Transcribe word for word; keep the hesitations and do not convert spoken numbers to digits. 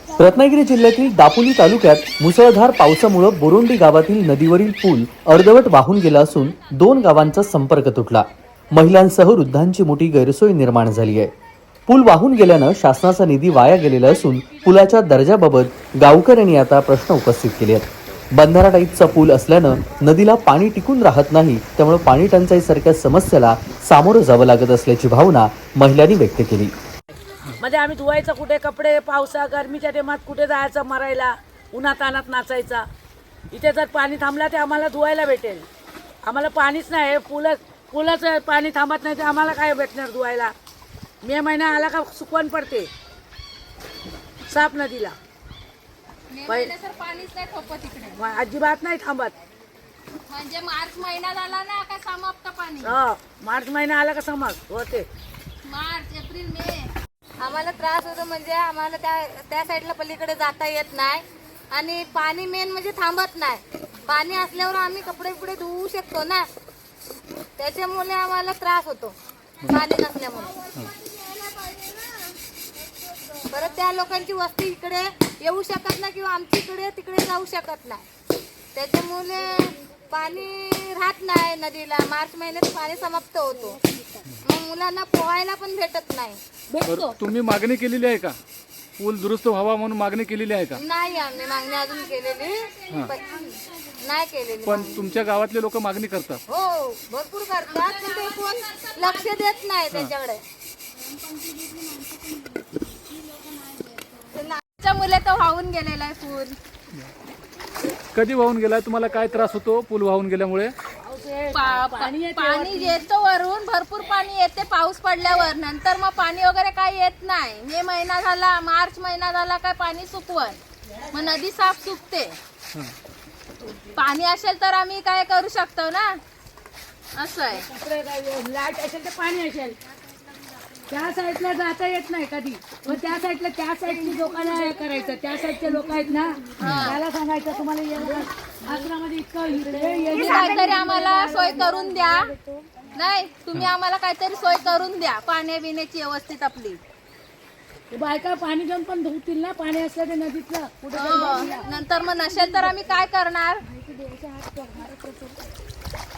रत्नागिरी जिल्ह्यातील दापोली तालुक्यात मुसळधार पावसामुळे बोरोंडी गावातील नदीवरील पूल अर्धवट वाहून गेला असून दोन गावांचा संपर्क तुटला. महिलांसह वृद्धांची मोठी गैरसोय निर्माण झाली आहे. पूल वाहून गेल्यानं शासनाचा निधी वाया गेलेला असून पुलाच्या दर्जाबाबत गावकऱ्यांनी आता प्रश्न उपस्थित केले आहेत. बंधारा टाईपचा पूल असल्यानं नदीला पाणी टिकून राहत नाही, त्यामुळे पाणी टंचाईसारख्या समस्येला सामोरं जावं लागत असल्याची भावना महिलांनी व्यक्त केली. म्हणजे आम्ही धुवायचं कुठे कपडे, पावसा गरमीच्या टेमात कुठे जायचं मरायला, उन्हात अनात नाचायचा. इथे जर पाणी थांबला ते आम्हाला धुवायला भेटेल. आम्हाला पाणीच नाही, पुलं पुलाचं पाणी थांबत नाही तर आम्हाला काय भेटणार धुवायला. मे महिना आला का सुकवण पडते साप नदीला. पाणीच नाही ठोकत इकडे, अजिबात नाही थांबत. म्हणजे मार्च महिना झाला ना का समाप्त पाणी. हो, मार्च महिना आला का समाप्त होते. मार्च एप्रिल मे आम्हाला त्रास होतो. म्हणजे आम्हाला त्या त्या साईडला पलीकडे जाता येत नाही आणि पाणी मेन म्हणजे थांबत नाही. पाणी असल्यावर आम्ही कपडे बिपडे धुवू शकतो ना, त्याच्यामुळे आम्हाला त्रास होतो पाणी नसल्यामुळे. परत त्या लोकांची वस्ती इकडे येऊ शकत नाही किंवा आमची इकडे तिकडे जाऊ शकत नाही, त्याच्यामुळे पाणी राहत नाही नदीला. मार्च महिन्यात पाणी समाप्त होतो, मग मुलांना पोहायला पण भेटत नाही. बरं, तुम्ही मागणी केलेली आहे का पूल दुरुस्त व्हावा म्हणून मागणी केलेली आहे का? नाही, आम्ही मागणी अजून केलेली नाही केलेली. पण तुमच्या गावातले लोक मागणी करतात. हो, भरपूर करतात, पण ते कोण लक्ष देत नाही त्याच्याकडे. मुले तो वाहून गेलेला आहे पूल. कधी वाहून गेलाय? तुम्हाला काय त्रास होतो पूल वाहून गेल्यामुळे? पाणी येतो वरून, भरपूर पाणी येते पाऊस पडल्यावर. नंतर मग पाणी वगैरे काही येत नाही. मे महिना झाला, मार्च महिना झाला काय पाणी सुकवण, मग नदी साफ सुकते. पाणी असेल तर आम्ही काय करू शकतो ना, असं आहे. लाईट असेल तर पाणी असेल, त्या साईडला जाता येत नाही कधी. मग त्या साईडला त्या साईडची लोकांना हे करायचं. त्या साईडचे लोक आहेत ना, त्याला सांगायचं तुम्हाला आश्रमामध्ये इतकं तुम्ही काहीतरी आम्हाला सोय करून द्या. नाही, तुम्ही आम्हाला काहीतरी सोय करून द्या पाण्या बिण्याची व्यवस्थित आपली. बायका पाणी घेऊन पण धुतील ना, पाणी असलं ते नदीतलं कुठे. नंतर मग नसेल तर आम्ही काय करणार.